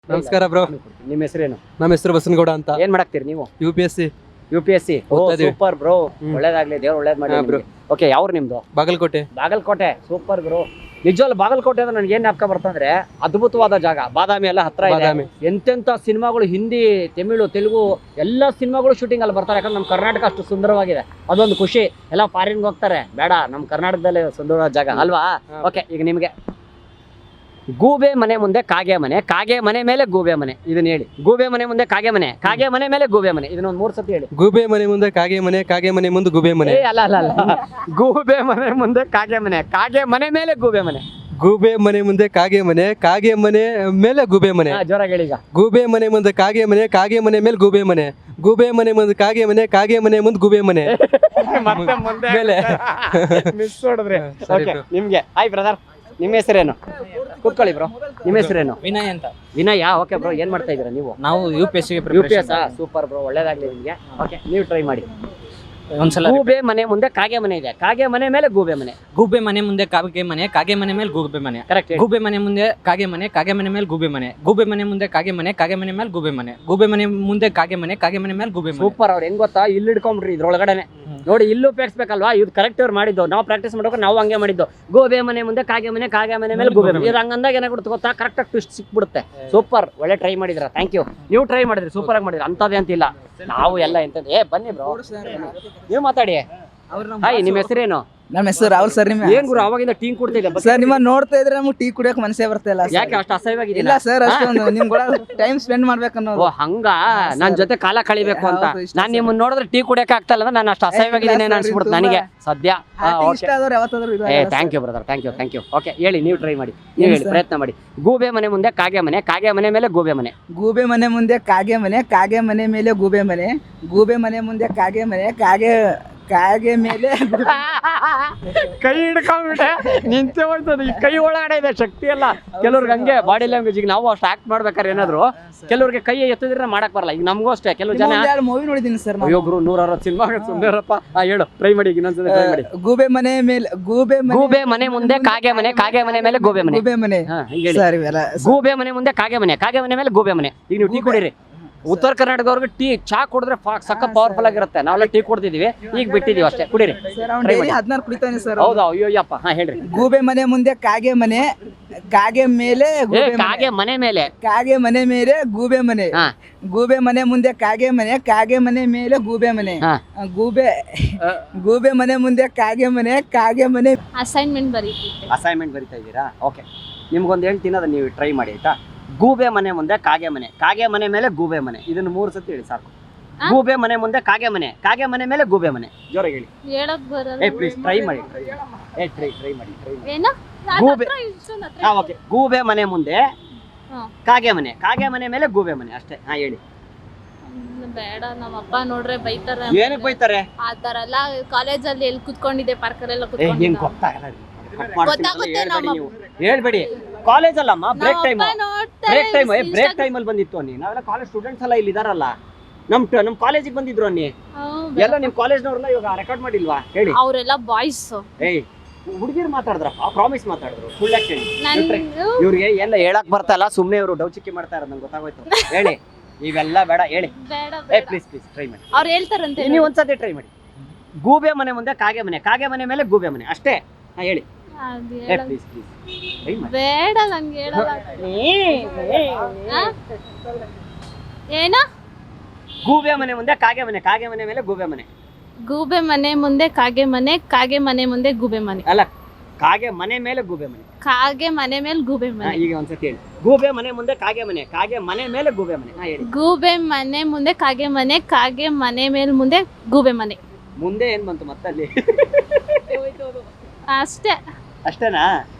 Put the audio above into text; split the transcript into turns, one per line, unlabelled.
ನಮಸ್ಕಾರ ಬ್ರೋ.
ನಿಮ್ಮ ಹೆಸರೇನು?
ನಮ್ಮ ಹೆಸರು ಬಸನಗೌಡ ಅಂತ.
ಏನ್ ಮಾಡಾಕ್ತೀರಿ ನೀವು?
UPSC
ಸೂಪರ್ ಬ್ರೋ, ಒಳ್ಳೇದಾಗ್ಲಿ, ದೇವ್ರು ಒಳ್ಳೇದ್ ಮಾಡಿ ಬ್ರೋ. ಓಕೆ, ಯಾವ್ರು ನಿಮ್ದು?
ಬಾಗಲಕೋಟೆ.
Super bro. ನಿಜವಲ್ಲ ಬಾಗಲಕೋಟೆ ಅಂದ್ರೆ ನನಗೆ ಏನ್ ಜ್ಞಾಪಕ ಬರ್ತಂದ್ರೆ ಅದ್ಭುತವಾದ ಜಾಗ. ಬಾದಾಮಿ ಎಲ್ಲ ಹತ್ರ ಇದೆ. ಎಂತೆಂತ ಸಿನಿಮಾಗಳು, ಹಿಂದಿ, ತಮಿಳು, ತೆಲುಗು ಎಲ್ಲ ಸಿನಿಮಾಗಳು ಶೂಟಿಂಗ್ ಅಲ್ಲಿ ಬರ್ತಾರೆ. ಯಾಕಂದ್ರೆ ನಮ್ಮ ಕರ್ನಾಟಕ ಅಷ್ಟು ಸುಂದರವಾಗಿದೆ, ಅದೊಂದು ಖುಷಿ. ಎಲ್ಲ ಫಾರಿನ್ಗೆ ಹೋಗ್ತಾರೆ, ಬೇಡ ನಮ್ಮ ಕರ್ನಾಟಕದಲ್ಲೇ ಸುಂದರವಾದ ಜಾಗ ಅಲ್ವಾ? ಓಕೆ, ಈಗ ನಿಮ್ಗೆ ಗೂಬೆ ಮನೆ ಮುಂದೆ ಕಾಗೆ ಮನೆ, ಕಾಗೆ ಮನೆ ಮೇಲೆ ಗೂಬೆ ಮನೆ, ಇದನ್ನ ಹೇಳಿ. ಗೂಬೆ ಮನೆ ಮುಂದೆ ಕಾಗೆ ಮನೆ, ಕಾಗೆ ಮನೆ ಮೇಲೆ ಗೂಬೆ ಮನೆ, ಇದನ್ನೊಂದು 3 ಸತಿ ಹೇಳಿ.
ಗೂಬೆ ಮನೆ ಮುಂದೆ ಕಾಗೆ ಮನೆ, ಕಾಗೆ ಮನೆ ಮುಂದೆ ಗೂಬೆ ಮನೆ.
ಅಲ್ಲ ಗೂಬೆ ಮನೆ ಮುಂದೆ ಕಾಗೆ ಮನೆ, ಕಾಗೆ ಮನೆ ಮೇಲೆ ಗೂಬೆ ಮನೆ.
ಗೂಬೆ ಮನೆ ಮುಂದೆ ಕಾಗೆ ಮನೆ, ಕಾಗೆ ಮನೆ ಮೇಲೆ ಗೂಬೆ ಮನೆ.
ಜೋರಾಗಿ ಹೇಳಿ ಈಗ.
ಗೂಬೆ ಮನೆ ಮುಂದೆ ಕಾಗೆ ಮನೆ, ಕಾಗೆ ಮನೆ ಮೇಲೆ ಗೂಬೆ ಮನೆ. ಗೂಬೆ ಮನೆ ಮುಂದೆ ಕಾಗೆ ಮನೆ, ಕಾಗೆ ಮನೆ ಮುಂದೆ ಗೂಬೆ ಮನೆ. ಮೇಲೆ
ಮಿಸ್ ಹೊಡೆದ್ರಿ. ನಿಮ್ಗೆ ಹಾಯ್ ಬ್ರದರ್, ನಿಮ್ಮ ಹೆಸರೇನು? ಕೂತ್ಕೊಳ್ಳಿ ಬ್ರೋ. ನಿಮ್ಮ ಹೆಸರೇನು?
ವಿನಯ್ ಅಂತ.
ವಿನಯ. ಓಕೆ ಬ್ರೋ, ಏನ್ ಮಾಡ್ತಾ ಇದೀರಾ ನೀವು?
ನಾವು UPSC
ಸೂಪರ್ ಬ್ರೋ, ಒಳ್ಳೇದಾಗ್ಲಿ ನಿಮ್ಗೆ. ಓಕೆ, ನೀವು ಟ್ರೈ ಮಾಡಿ.
ಒಂದ್ಸಲ
ಗೂಬೆ ಮನೆ ಮುಂದೆ ಕಾಗೆ ಮನೆ ಇದೆ, ಕಾಗೆ ಮನೆ ಮೇಲೆ ಗೂಬೆ ಮನೆ.
ಗೂಬೆ ಮನೆ ಮುಂದೆ ಕಾಗೆ ಮನೆ, ಕಾಗೆ ಮನೆ ಮೇಲೆ ಗೂಬೆ ಮನೆ.
ಕರೆಕ್ಟ್.
ಗೂಬೆ ಮನೆ ಮುಂದೆ ಕಾಗೆ ಮನೆ, ಕಾಗೆ ಮನೆ ಮೇಲೆ ಗೂಬೆ ಮನೆ. ಗೂಬೆ ಮನೆ ಮುಂದೆ ಕಾಗೆ ಮನೆ, ಕಾಗೆ ಮನೆ ಮೇಲೆ ಗೂಬೆ ಮನೆ. ಗೂಬೆ ಮನೆ ಮುಂದೆ ಕಾಗೆ ಮನೆ, ಕಾಗೆ ಮನೆ ಮೇಲೆ ಗೂಬೆ ಮನೆ.
ಸೂಪರ್. ಅವ್ರು ಹೆಂಗ್ ಗೊತ್ತಾ, ಇಲ್ಲಿ ಇಟ್ಕೊಂಡ್ರಿ ಇದ್ರೊಳಗಡೆನೆ ನೋಡಿ, ಇಲ್ಲೂ ಉಪಯೋಗಿಸ್ಬೇಕಲ್ವಾ? ಇದು ಕರೆಕ್ಟ್ ಅವ್ರು ಮಾಡಿದ್ದು. ನಾವು ಪ್ರಾಕ್ಟೀಸ್ ಮಾಡೋಕೆ ನಾವು ಹಂಗೆ ಮಾಡಿದ್ದು. ಗೋಬೆ ಮನೆ ಮುಂದೆ ಕಾಗೆ ಮನೆ, ಕಾಗೆ ಮನೆ ಮೇಲೆ ಗೂಬೆ ಮನೆ. ಇದು ಹಂಗಂದಾಗ ಏನಾಗ್ಬಿಡುತ್ತೆ ಗೊತ್ತಾ, ಕರೆಕ್ಟ್ ಆಗಿ ಟ್ವಿಸ್ಟ್ ಸಿಕ್ಬಿಡುತ್ತೆ. ಸೂಪರ್, ಒಳ್ಳೆ ಟ್ರೈ ಮಾಡಿದ್ರ. Thank you. ನೀವು ಟ್ರೈ ಮಾಡಿದ್ರಿ, ಸೂಪರ್ ಆಗಿ ಮಾಡಿದ್ರಿ. ಅಂತದೇ ಅಂತಿಲ್ಲ, ನಾವು ಎಲ್ಲ ಎಂತದ್ದು. ಬನ್ನಿ ಬ್ರೋ, ನೀವು ಮಾತಾಡಿ. ಹಾಯ್, ನಿಮ್ಮ ಹೆಸರೇನು?
ನಮ್ಮ ಹೆಸರು ರಾಹುಲ್ ಸರ್. ನಿಮ್ಮ
ಏನ್ ಗುರು ಅವಾಗಿಂದ ಟೀ ಕುಡ್ತಿದ್ದೆ
ಸರ್? ನಿಮ್ಮ ನೋಡ್ತಾ ಇದ್ರೆ ನಮ್ಗೆ ಟೀ ಕುಡಿಯೋಕೆ ಮನಸ್ಸೇ ಬರ್ತಾ ಇಲ್ಲ.
ಯಾಕೆ ಅಷ್ಟು ಅಸಹ್ಯವಾಗಿದೆ?
ಇಲ್ಲ ಸರ್, ಅಷ್ಟೊಂದು ನಿಮ್ ಕೂಡ ಟೈಮ್ ಸ್ಪೆಂಡ್ ಮಾಡ್ಬೇಕನ್ನೋದು.
ಓ ಹಂಗ, ನನ್ ಜೊತೆ ಕಾಲ ಕಳಿಬೇಕು ಅಂತ. ನಾನ್ ನಿಮ್ಮನ್ನ ನೋಡಿದ್ರೆ ಟೀ ಕುಡಿಯಕ್ಕೆ ಆಗ್ತಾ ಇಲ್ಲ, ನಾನು ಅಷ್ಟು ಅಸಹ್ಯವಾಗಿದ್ದೀನಿ ಅನ್ಸ್ಬಿಡುತ್ತೆ ನನಗೆ ಸದ್ಯ.
ಇಷ್ಟ ಆದವ್ರು ಯಾವತ್ತಾದ್ರೂ
thank you brother, thank you. Okay, ಹೇಳಿ, ನೀವು ಟ್ರೈ ಮಾಡಿ, ನೀವು ಹೇಳಿ, ಪ್ರಯತ್ನ ಮಾಡಿ. ಗೂಬೆ ಮನೆ ಮುಂದೆ ಕಾಗೆ ಮನೆ, ಕಾಗೆ ಮನೆ ಮೇಲೆ ಗೂಬೆ ಮನೆ.
ಗೂಬೆ ಮನೆ ಮುಂದೆ ಕಾಗೆ ಮನೆ, ಕಾಗೆ ಮನೆ ಮೇಲೆ ಗೂಬೆ ಮನೆ. ಗೂಬೆ ಮನೆ ಮುಂದೆ ಕಾಗೆ ಮನೆ, ಕಾಗೆ ಮೇಲೆ
ಕೈ ಹಿಡ್ಕೊಂಡ್ಬಿಟ್ಟೆ, ನಿಂತೆ ಹೋಯ್ತದೆ. ಈ ಕೈ ಒಳಗಡೆ ಇದೆ ಶಕ್ತಿ ಎಲ್ಲ. ಕೆಲವ್ರಿಗೆ ಹಂಗೆ ಬಾಡಿ ಲ್ಯಾಂಗ್ವೇಜ್. ಈಗ ನಾವು ಅಷ್ಟು ಆಕ್ಟ್ ಮಾಡ್ಬೇಕಾದ್ರೆ ಏನಾದ್ರು ಕೆಲವ್ರಿಗೆ ಕೈ ಎತ್ತಿದ್ರೆ ಮಾಡಕ್ ಬರಲ್ಲ. ಈಗ ನಮಗೂ ಅಷ್ಟೇ, ಕೆಲವು ಜನ
ಮೂವಿ ನೋಡಿದೀನಿ ಸರ್.
ಒಬ್ರು 160 ಸಿನಿಮಾ ಸುಂದರಪ್ಪ. ಹೇಳು, ಟ್ರೈ ಮಾಡಿ, ಇನ್ನೊಂದ್ಸಲ ಟ್ರೈ ಮಾಡಿ.
ಗೂಬೆ ಮನೆ ಮೇಲೆ
ಗೂಬೆ ಮನೆ ಮುಂದೆ ಕಾಗೆ ಮನೆ, ಕಾಗೆ ಮನೆ ಮೇಲೆ ಗೂಬೆ ಮನೆ.
ಗೂಬೆ ಮನೆ
ಸರ್, ಗೂಬೆ ಮನೆ ಮುಂದೆ ಕಾಗೆ ಮನೆ, ಕಾಗೆ ಮನೆ ಮೇಲೆ ಗೂಬೆ ಮನೆ. ಈಗ ನೀವು ಟೀ ಕುಡೀರಿ. ಉತ್ತರ ಕರ್ನಾಟಕದವ್ರಿಗೆ ಟೀ ಚಾ ಕುಡಿದ್ರೆ ಸಕ್ಕ ಪವರ್ಫುಲ್ ಆಗಿರುತ್ತೆ. ನಾವೆಲ್ಲ ಟೀ ಕುಡ್ದಿದೀವಿ, ಈಗ ಬಿಟ್ಟಿದೀವಿ ಅಷ್ಟೇ. ಕುಡೀರಿ.
16 ಕುಡಿತಾನೆ ಸರ್.
ಹೌದಾ? ಅಯ್ಯೋಯ್ಯಪ್ಪ. ಹೇಳ್ರಿ.
ಗೂಬೆ ಮನೆ ಮುಂದೆ ಕಾಗೆ ಮನೆ, ಕಾಗೆ ಮೇಲೆ
ಕಾಗೆ ಮನೆ ಮೇಲೆ,
ಕಾಗೆ ಮನೆ ಮೇಲೆ ಗೂಬೆ ಮನೆ. ಗೂಬೆ ಮನೆ ಮುಂದೆ ಕಾಗೆ ಮನೆ, ಕಾಗೆ ಮನೆ ಮೇಲೆ ಗೂಬೆ ಮನೆ. ಗೂಬೆ ಮನೆ ಮುಂದೆ ಕಾಗೆ ಮನೆ, ಕಾಗೆ ಮನೆ.
ಅಸೈನ್ಮೆಂಟ್
ಬರೀತಾ ಇದ್ದೀರಾ? ಓಕೆ, ನಿಮ್ಗೊಂದು ಹೇಳ್ತೀನಿ, ಅದನ್ನ ನೀವು ಟ್ರೈ ಮಾಡಿ ಆಯ್ತಾ. ಗೂಬೆ ಮನೆ ಮುಂದೆ ಕಾಗೆ ಮನೆ, ಕಾಗೆ ಮನೆ ಮೇಲೆ ಗೂಬೆ ಮನೆ. ಇದನ್ನ 3 ಸತಿ ಹೇಳಿ ಸಾಕು. ಗೂಬೆ ಮನೆ ಮುಂದೆ ಕಾಗೆ ಮನೆ, ಕಾಗೆ ಮನೆ ಮೇಲೆ ಗೂಬೆ ಮನೆ. ಜೋರಾಗಿ ಹೇಳಿ.
ಹೇಳಕ್ ಬರಲ್ಲ.
ಪ್ಲೀಸ್ ಟ್ರೈ ಮಾಡಿ. ಟ್ರೈ ಮಾಡಿ.
ಏನು?
ಗೂಬೆ. ಓಕೆ, ಗೂಬೆ ಮನೆ ಮುಂದೆ ಕಾಗೆ ಮನೆ, ಕಾಗೆ ಮನೆ ಮೇಲೆ ಗೂಬೆ ಮನೆ ಅಷ್ಟೇ. ಹೇಳಿ.
ಬೇಡ, ನಮ್ಮ ಅಪ್ಪ ನೋಡ್ರೆ ಬೈತಾರೆ.
ಏನಕ್ಕೆ ಬೈತಾರೆ?
ಆ ತರ ಎಲ್ಲ ಕಾಲೇಜಲ್ಲಿ ಎಲ್ಲಿ ಕುತ್ಕೊಂಡಿದ್ದೆ, ಪಾರ್ಕಲ್ಲೆಲ್ಲ
ಹೆಂಗ್ ಗೊತ್ತಾಗಲ್ಲ. ಹೇಳ್ಬೇಡಿ. ಕಾಲೇಜ್ ಅಲ್ಲಮ್ಮ, ಬ್ರೇಕ್ ಟೈಮ್ ಅಲ್ಲಿ ಬಂದಿತ್ತು ಅನ್ನಿ. ನಾವೆಲ್ಲ ಕಾಲೇಜ್ ಸ್ಟೂಡೆಂಟ್ಸ್ ಎಲ್ಲ ಇಲ್ಲಿ ಇದಾರಲ್ಲ, ನಮ್ ಕಾಲೇಜಿಗೆ ಬಂದಿದ್ರು ಅನ್ನಿ. ಎಲ್ಲ ನಿಮ್ ಕಾಲೇಜ್ನವ್ರಲ್ಲ ಇವಾಗ ರೆಕಾರ್ಡ್ ಮಾಡಿಲ್ವಾ? ಹೇಳಿ.
ಅವರೆಲ್ಲ ಬಾಯ್ಸ್.
ಹುಡುಗಿರು ಮಾತಾಡಿದ್ರಪ್ಪ, ಪ್ರಾಮಿಸ್ ಮಾತಾಡಿದ್ರು. ಫುಲ್ ಆಕ್ಚುಲಿ ಇವ್ರಿಗೆ ಎಲ್ಲ ಹೇಳಕ್ ಬರ್ತಾ ಇಲ್ಲ, ಸುಮ್ನೆ ಇವರು ಡೌಚಿಕ್ಕಿ ಮಾಡ್ತಾ ಇರೋದು ನಂಗೆ ಗೊತ್ತಾಗೋಯ್ತು. ಹೇಳಿ, ಇವೆಲ್ಲ ಬೇಡ, ಹೇಳಿ. ಪ್ಲೀಸ್ ಟ್ರೈ ಮಾಡಿ.
ಅವ್ರು ಹೇಳ್ತಾರಂತೆ,
ನೀವು ಒಂದ್ಸತಿ ಟ್ರೈ ಮಾಡಿ. ಗೂಬೆ ಮನೆ ಮುಂದೆ ಕಾಗೆ ಮನೆ, ಕಾಗೆ ಮನೆ ಮೇಲೆ ಗೂಬೆ ಮನೆ ಅಷ್ಟೇ. ಹೇಳಿ. ಪ್ಲೀಸ್
ಬೇಡ, ನಂಗೆ ಹೇಳಲ್ಲ. ಏನ?
ಗೂಬೆ ಮನೆ ಮುಂದೆ ಕಾಗೆ ಮನೆ, ಕಾಗೆ ಮನೆ ಮೇಲೆ ಗೂಬೆ ಮನೆ.
ಗೂಬೆ ಮನೆ ಮುಂದೆ ಕಾಗೆ ಮನೆ, ಕಾಗೆ ಮನೆ ಮುಂದೆ ಗೂಬೆ ಮನೆ.
ಅಲ್ಲ, ಕಾಗೆ ಮನೆ ಮೇಲೆ ಗೂಬೆ ಮನೆ.
ಕಾಗೆ ಮನೆ ಮೇಲೆ ಗೂಬೆ ಮನೆ.
ಈಗ ಒಂದ್ಸತಿ ಹೇಳಿ. ಗೂಬೆ ಮನೆ ಮುಂದೆ ಕಾಗೆ ಮನೆ, ಕಾಗೆ ಮನೆ ಮೇಲೆ ಗೂಬೆ ಮನೆ. ಹೇಳಿ.
ಗೂಬೆ ಮನೆ ಮುಂದೆ ಕಾಗೆ ಮನೆ, ಕಾಗೆ ಮನೆ ಮೇಲೆ ಮುಂದೆ ಗೂಬೆ ಮನೆ.
ಮುಂದೆ ಏನ್ ಬಂತು ಮತ್ತಲ್ಲಿ?
ಅಷ್ಟೇ.
ಅಷ್ಟೇನಾ?